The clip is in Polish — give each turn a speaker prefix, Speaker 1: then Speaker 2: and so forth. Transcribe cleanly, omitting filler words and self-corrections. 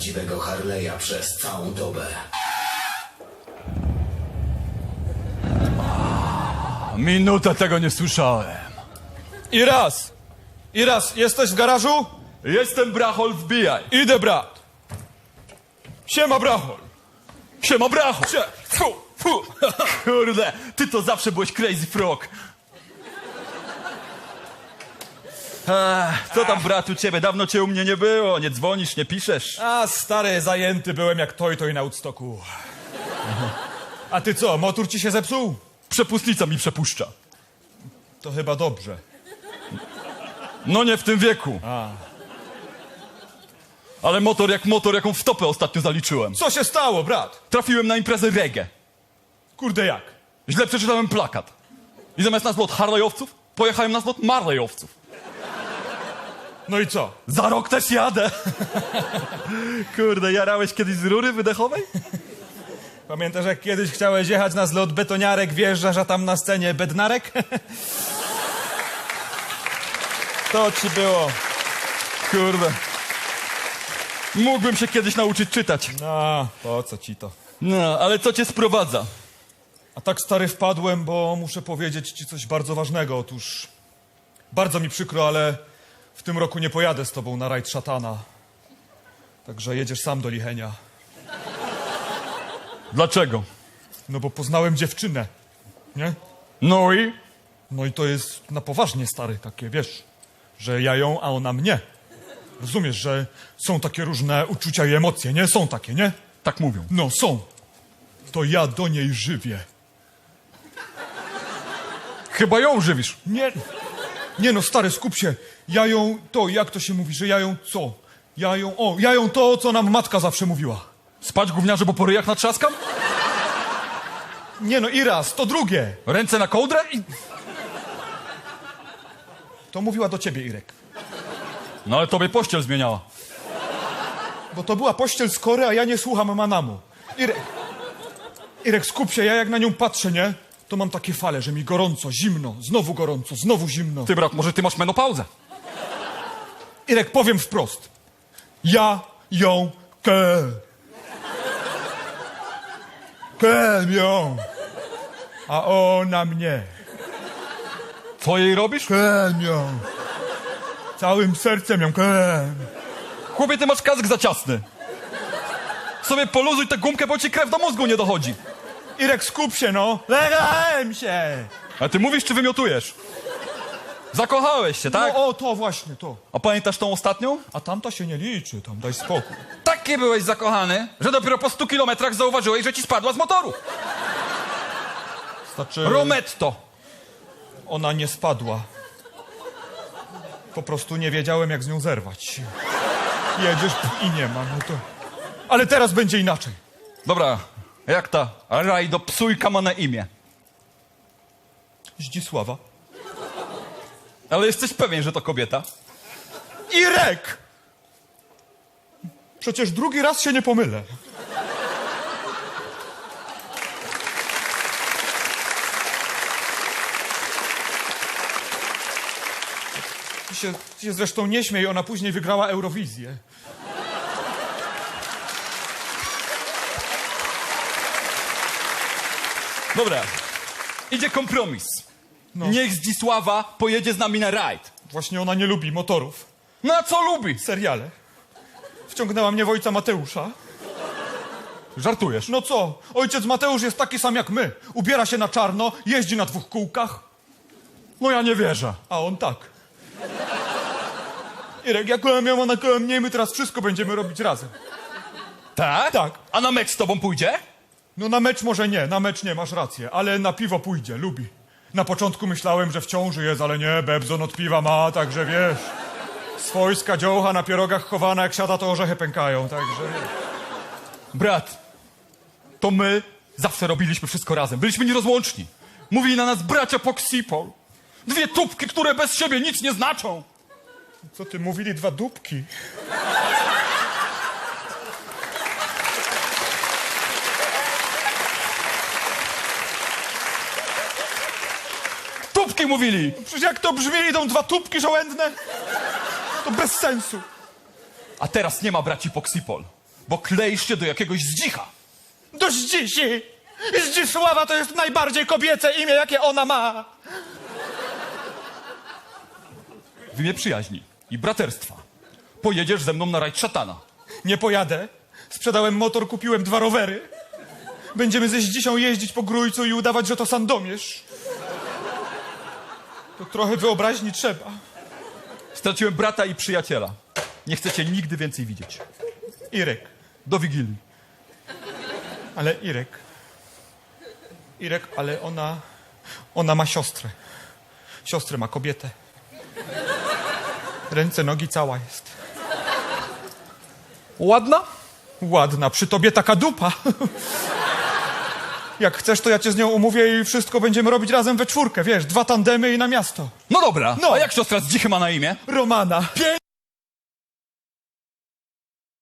Speaker 1: prawdziwego Harley'a przez całą dobę.
Speaker 2: Minutę tego nie słyszałem.
Speaker 3: Iras, jesteś w garażu?
Speaker 2: Jestem Brachol, wbijaj.
Speaker 3: Idę, brat. Siema, brachol.
Speaker 2: Siema, Brachol.
Speaker 3: Fu.
Speaker 2: Kurde, ty to zawsze byłeś crazy frog. Co tam, brat, u ciebie? Dawno cię u mnie nie było. Nie dzwonisz, nie piszesz.
Speaker 3: A, stary, zajęty byłem jak toj na Woodstocku. A ty co, motor ci się zepsuł?
Speaker 2: Przepustnica mi przepuszcza.
Speaker 3: To chyba dobrze.
Speaker 2: No nie w tym wieku. Ale motor jak motor, jaką wtopę ostatnio zaliczyłem.
Speaker 3: Co się stało, brat?
Speaker 2: Trafiłem na imprezę reggae.
Speaker 3: Kurde, jak?
Speaker 2: Źle przeczytałem plakat. I zamiast na zlot Harley'owców, pojechałem na zlot Marley'owców.
Speaker 3: No i co?
Speaker 2: Za rok też jadę. Kurde, jarałeś kiedyś z rury wydechowej?
Speaker 3: Pamiętasz, jak kiedyś chciałeś jechać na zlot betoniarek, wjeżdżasz, a tam na scenie bednarek? To ci było.
Speaker 2: Kurde. Mógłbym się kiedyś nauczyć czytać.
Speaker 3: No, po co ci to?
Speaker 2: No, ale co cię sprowadza?
Speaker 3: A tak, stary, wpadłem, bo muszę powiedzieć ci coś bardzo ważnego. Otóż bardzo mi przykro, ale w tym roku nie pojadę z tobą na rajd szatana. Także jedziesz sam do Lichenia.
Speaker 2: Dlaczego?
Speaker 3: No bo poznałem dziewczynę, nie?
Speaker 2: No i?
Speaker 3: No i to jest na poważnie, stary, takie, wiesz, że ja ją, a ona mnie. Rozumiesz, że są takie różne uczucia i emocje, nie? Są takie, nie?
Speaker 2: Tak mówią.
Speaker 3: No, są. To ja do niej żywię.
Speaker 2: Chyba ją żywisz.
Speaker 3: Nie no, stary, skup się. Ja ją, to, jak to się mówi, że ja ją co? Ja ją to, co nam matka zawsze mówiła.
Speaker 2: Spać gówniarze, bo po ryjach natrzaskam?
Speaker 3: Nie no, Iras, to drugie.
Speaker 2: Ręce na kołdrę i...
Speaker 3: To mówiła do ciebie, Irek.
Speaker 2: No ale tobie pościel zmieniała.
Speaker 3: Bo to była pościel z kory, a ja nie słucham Manamu. Irek, skup się, ja jak na nią patrzę, nie? To mam takie fale, że mi gorąco, znowu zimno.
Speaker 2: Ty, brat, może ty masz menopauzę?
Speaker 3: Irek, powiem wprost. Ja ją ją. A ona mnie.
Speaker 2: Co jej robisz?
Speaker 3: Ją. Całym sercem ją
Speaker 2: Chłopie, ty masz kask za ciasny. Sobie poluzuj tę gumkę, bo ci krew do mózgu nie dochodzi.
Speaker 3: Irek, skup się, no. Legałem się.
Speaker 2: A ty mówisz, czy wymiotujesz? Zakochałeś się, tak?
Speaker 3: No, o, to właśnie, to.
Speaker 2: A pamiętasz tą ostatnią?
Speaker 3: A tamta się nie liczy, tam daj spokój.
Speaker 2: Taki byłeś zakochany, że dopiero po 100 kilometrach zauważyłeś, że ci spadła z motoru.
Speaker 3: Znaczy,
Speaker 2: Rometto.
Speaker 3: ona nie spadła. Po prostu nie wiedziałem, jak z nią zerwać. Jedziesz i nie ma, no to... Ale teraz będzie inaczej.
Speaker 2: Dobra, jak ta rajdo psujka ma na imię?
Speaker 3: Zdzisława.
Speaker 2: Ale jesteś pewien, że to kobieta?
Speaker 3: Irek! Przecież drugi raz się nie pomylę. Ty się zresztą nie śmiej, ona później wygrała Eurowizję.
Speaker 2: Dobra, idzie kompromis.
Speaker 3: No.
Speaker 2: Niech Zdzisława pojedzie z nami na rajd.
Speaker 3: Właśnie ona nie lubi motorów.
Speaker 2: No a co lubi?
Speaker 3: Seriale. Wciągnęła mnie w ojca Mateusza.
Speaker 2: Żartujesz.
Speaker 3: No co? Ojciec Mateusz jest taki sam jak my. Ubiera się na czarno, jeździ na 2 kółkach,
Speaker 2: No ja nie wierzę.
Speaker 3: a on tak. Irek, ja kołem ją, ona kołem mnie, my teraz wszystko będziemy robić razem.
Speaker 2: Tak?
Speaker 3: Tak.
Speaker 2: A na mecz z tobą pójdzie?
Speaker 3: No na mecz może nie, na mecz nie, masz rację, ale na piwo pójdzie, lubi. Na początku myślałem, że w ciąży jest, ale nie, Bebzon od piwa ma, także wiesz. Swojska dziołcha na pierogach chowana, jak siada, to orzechy pękają, także wiesz.
Speaker 2: Brat, to my zawsze robiliśmy wszystko razem. Byliśmy nierozłączni. Mówili na nas bracia Poxipol. 2 tubki, które bez siebie nic nie znaczą.
Speaker 3: Co ty, mówili 2 dupki?
Speaker 2: Tubki mówili.
Speaker 3: Przecież jak to brzmi, idą 2 tubki żołędne? To bez sensu.
Speaker 2: A teraz nie ma braci Poxipol. bo kleisz się do jakiegoś zdzicha.
Speaker 3: Do Zdzisi! Zdzisława to jest najbardziej kobiece imię, jakie ona ma.
Speaker 2: W imię przyjaźni i braterstwa pojedziesz ze mną na rajd szatana.
Speaker 3: Nie pojadę. Sprzedałem motor, kupiłem 2 rowery. Będziemy ze Zdzisią jeździć po Grójcu i udawać, że to Sandomierz. To trochę wyobraźni trzeba.
Speaker 2: Straciłem brata i przyjaciela. Nie chcę cię nigdy więcej widzieć.
Speaker 3: Irek.
Speaker 2: Do Wigilii.
Speaker 3: Ale Irek, ale ona ma siostrę. Siostrę ma, kobietę. Ręce, nogi, cała jest.
Speaker 2: Ładna?
Speaker 3: Ładna, przy tobie taka dupa. Jak chcesz, to ja cię z nią umówię i wszystko będziemy robić razem we 4, wiesz, 2 tandemy i na miasto.
Speaker 2: No dobra,
Speaker 3: No.
Speaker 2: a jak siostra z dzichy ma na imię?
Speaker 3: Romana.